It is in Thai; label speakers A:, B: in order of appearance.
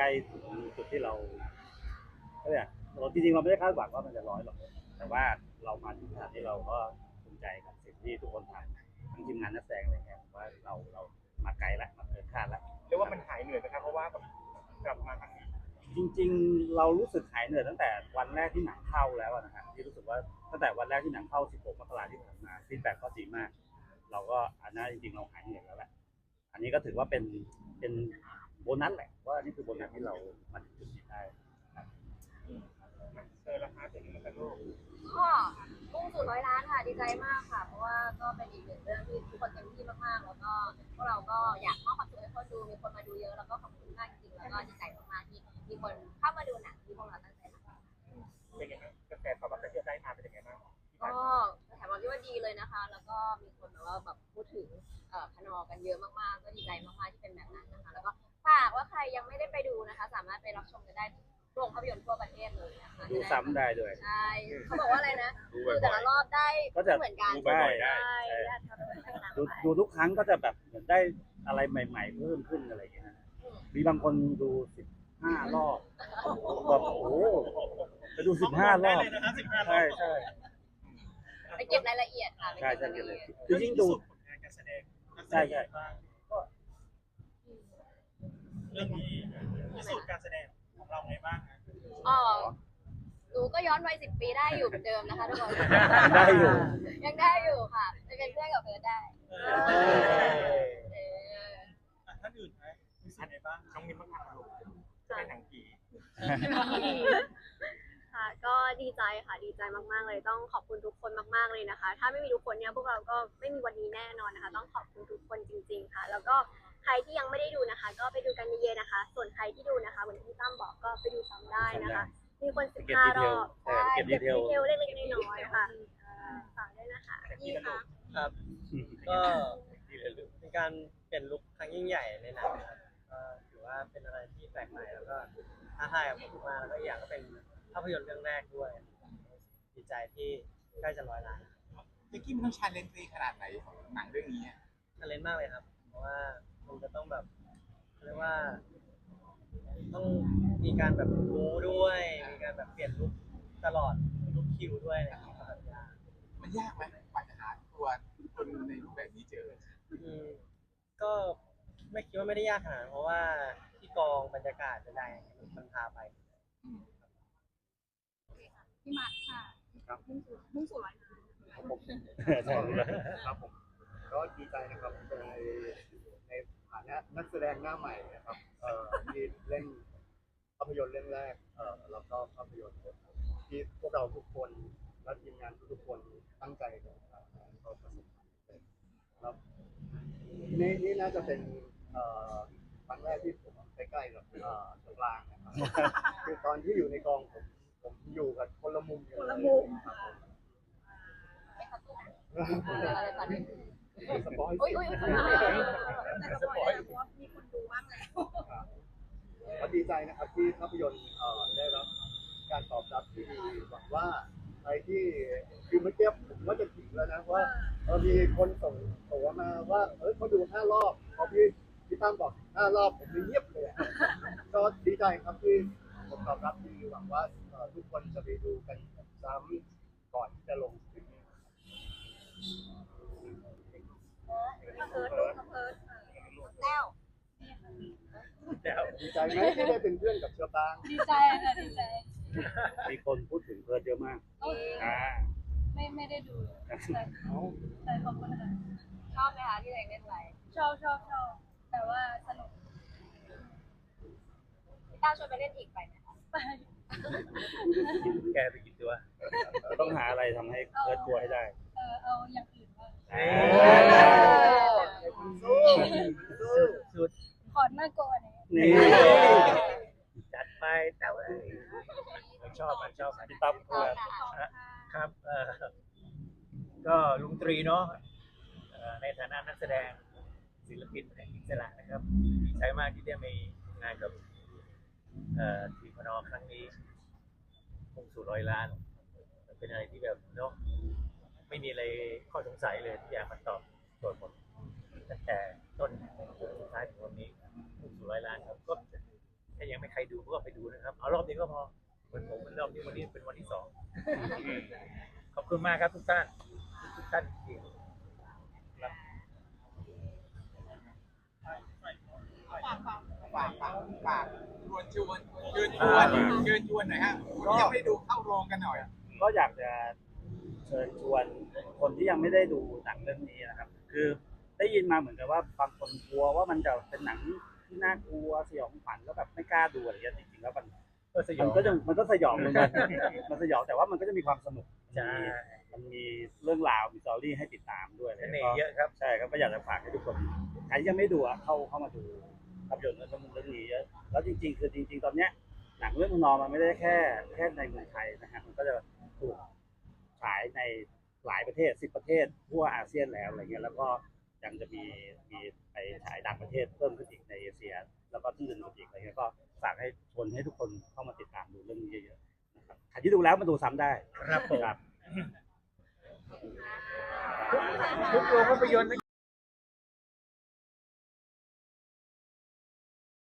A: ล้ถึงจุดที่เราเนี่ยจริงๆเราไม่ได้คาดหวังว่ามันจะ100หรอกแต่ว่าเรามาถึงขนาดนี้เราก็ภูมิใจกับสิ่งที่ทุกคนทำทั้งทีมงานนักแสดงอะไรเงี้ยว่าเรามาไกลแล้วมาเกินคาดแล้ว
B: เรียกว่ามันหายเหนื่อยไหมครับเพราะว่ากลับมาครั้งนี้
A: จริงๆเรารู้สึกหายเหนื่อยตั้งแต่วันแรกที่หนังเข้าแล้วนะครับที่รู้สึกว่าตั้งแต่วันแรกที่หนังเข้า16 มกราคมที่ผ่านมาฟีดแบ็กก็ดีมากเราก็อันนั้นจริงๆเราหายเหนื่อยแล้วแหละอันนี้ก็ถือว่าเป็นโบนัสแหละว่านี่คือโบนัสที่เรามาถึงจุดนี้ได้
B: ราคาเป็นยังไงกันลูก
C: ก็มุ่งสู่100 ล้านค่ะดีใจมากค่ะเพราะว่าก็เป็นอีกหนึ่งเรื่องที่ทุกคนเต็มที่มากๆแล้วก็พวกเราก็อยากมอบความสุขให้คนดูมีคนมาดูเยอะแล้วก็ขอบคุณมากจริงๆแล้วก็ดีใจมากๆที่มีคนเข้ามาดูหนังที่พวกเราตั้งใจทำ
B: เป็นยังไงกระแสตอบรับที่ได้มาเป็นยังไงบ้าง
C: ก็แถมว่าพี่ว่าดีเลยนะคะแล้วก็มีคนแบบพูดถึงพนอกันเยอะมากๆก็ดีใจมากๆที่เป็นแบบนั้นนะคะแล้วก็ฝากว่าใครยังไม่ได้ไปดูนะคะสามารถไปรับชมกันได้โรงภาพยนตร์ทั่วประเทศเลยนะคะ
A: ดูซ้ำได้ด้วย
C: ใช่เขาบอกว่าอะไรนะดูแต่ละรอบได้ไม่เหมือนกัน
A: ดูทุกครั้งก็จะแบบเหมือนได้อะไรใหม่ๆเพิ่มขึ้นอะไรอย่างเงี้ยมีบางคนดู15 รอบแบบโอ้จะดู15 รอบใช่ใช่
C: ไปเก็บรายละเอียดค่ะ
A: ใช่ใช่เลยคือยิ่งดู
B: การแสดง
A: ใช่ใช่
B: เรื่องนี้พิสูจน์การแสดงของเราไงบ้าง
C: อ๋อหนูก็ย้อนวัย10 ปีได้อยู่เหมือนเดิมนะคะทุกคน
A: ได้อยู่
C: ยังได้อยู่ค่ะจะเป็นเพื่อนกับเพิร์ดได้
B: ท่านอื่นไหมมีสิ่งไหนบ้างน้องมิ้นบ้างค่ะลูกจะเป็นหนังผี
D: ค่ะก็ดีใจค่ะดีใจมากๆเลยต้องขอบคุณทุกคนมากๆเลยนะคะถ้าไม่มีทุกคนเนี่ยพวกเราก็ไม่มีวันนี้แน่นอนนะคะต้องขอบคุณทุกคนจริงๆค่ะแล้วก็ใครที่ยังไม่ได้ดูนะคะก็ไปดูกันเยอะๆนะคะส่วนใครที่ดูนะคะเหมือนที่ตั้มบอกก็ไปดูซ้ำได้นะคะมีคน15 รอบเก็บดีเทลเล็กๆน้อยๆค่ะฝากด้วยนะคะ
C: ยี่ค่ะ
E: ครับก็เป็นการเปลี่ยนลุคครั้งยิ่งใหญ่ในหนังนะครับก็ถือว่าเป็นอะไรที่แปลกใหม่แล้วก็ท้าทายกับผมมากแล้วก็อีกอย่างก็เป็นภาพยนตร์เรื่องแรกด้วยดีใจที่ใกล้จะ100 ล้าน
B: เจ๊กี้มันต้องชาเลนจ์ขนาดไหนของหนังเรื่องนี้
E: ชาเลนจ์มากเลยครับเพราะว่ามันจะต้องแบบเรียกว่าต้องมีการแบบรู้ด้วยมีการแบบเปลี่ยนลุคตลอดลุคคิวด้วยอะไรอย่างเงี้ยครับ
B: มันยากไหมกว่าจะหาตัวคนในรูปแบบนี้เจอ
E: ก็ไม่คิดว่าไม่ได้ยากขนาดเพราะว่าที่กองบรรยากาศจะได้มันพาไป
C: พี่มาร์คค่ะมุ่งสู่100 ล้าน
A: ครับผมครับผม
F: ก็ดีใจนะครับในฐานะนักแสดงหน้าใหม่นะครับที่เล่นภาพยนตร์เรื่องแรกแล้วก็ภาพยนตร์ที่พวกเราทุกคนและทีมงานทุกคนตั้งใจกันก็ประสบความสำเร็จครับนี่น่าจะเป็นครั้งแรกที่ผมใกล้ๆกับตัวกลางนะครับคือตอนที่อยู่ในกองผมอยู่กับคนละมุม
C: คนละมุมไม่เข้าตู้อะไรตอนนี้
F: สปอย
C: แต่สปอยเพราะว่ามีคนดูบ้างแล้ว
F: ก็ดีใจนะครับที่ภาพยนตร์ได้รับการตอบรับที่ดีหวังว่าใครที่คือเมื่อกี้ผมว่าจะถึงแล้วนะว่ามีคนส่งมาว่าเขาดู5 รอบพอพี่ตั้มบอก5 รอบผมเงียบเลยก็ดีใจครับที่ผมตอบรับดีหวังว่าทุกคนจะไปดูกันซ้ำก่อนที่จะลงสตรีมมิ่ง
C: เพิร์ดแล้ว
F: ดีใจไหมที่ได้เป็นเพื่อนกับเชอปาง
C: ดีใจค่ะดีใจ
A: มีคนพูดถึงเพิร์ดเยอะมาก
C: ไม่ได้ดูแต่ขอบคุณค่ะชอบไหมคะที่ตัวเองเล่นไปชอบแต่ว่าสนุกพี่ต้าชวนไปเล่นอีกไปไหมคะไป
A: แกไปกินตัวต้องหาอะไรทำให้เพิร์ดกลัวให้ได้
C: เอาอย่างอื่นบ้าง
A: สุด
C: ขอหน้าก่อน
A: นี่
E: จัดไปแต่ว่าชอบ
A: พี่ตั้ม
E: ครับก็ลุงตรีเนาะในฐานะนักแสดงศิลปินแห่งอิสระนะครับดีใจมากที่ได้มีงานกับทีมพนอครั้งนี้มุ่งสู่100 ล้านเป็นอะไรที่แบบเนาะไม่มีอะไรข้อสงสัยเลยทุกอย่างมันตอบโจทย์หมดตั้งแต่ต้นสุดท้ายถึงวันนี้มุ่งสู่100 ล้านครับก็ถ้ายังไม่ใครขอบคุณมากครับทุกท่านจริง
B: ฝากชวนเชิญชวนหน่อยฮะยังไม่ดูเข้าโรงกันหน่อย
A: ก็อยากจะเชิญชวนคนที่ยังไม่ได้ดูหนังเรื่องนี้นะครับ คือได้ยินมาเหมือนกับว่าบางคนกลัวว่ามันจะเป็นหนังที่น่ากลัวสยองขวัญแล้วแบบไม่กล้าดูอะไรอย่างเงี้ยจริงๆแล้วมัน
E: ก็สยอง
A: มันก็สยองเหมือนกันมันสยองแต่ว่ามันก็จะมีความสนุก
E: ใช่
A: มันมีเรื่องราวมีสตอรี่ให้ติดตามด้วย
E: เสน่ห์เยอะครับ
A: ใช่ครับก็อยากจะฝากให้ทุกคนใครที่ยังไม่ดูอะเข้ามาดูภาพยนตร์เรื่องนี้เยอะแล้วจริงๆตอนเนี้ยหนังเรื่องนอมันไม่ได้แค่ในเมืองไทยนะฮะมันก็จะถูกฉายในหลายประเทศ10 ประเทศทั่วอาเซียนแล้วอะไรเงี้ยแล้วก็ยังจะมีไปฉายต่างประเทศเพิ่มขึ้นอีกในเอเชีย แล้วก็ที่อื่นอีกอะไรเงี้ยก็ฝากให้ชวนให้ทุกคนเข้ามาติดตามดูเรื่องนี้เยอะๆนะครับใครที่ดูแล้วมาดูซ้ำได้
E: ครับผม
A: ครับ
E: ทุกโรงภาพยนตร์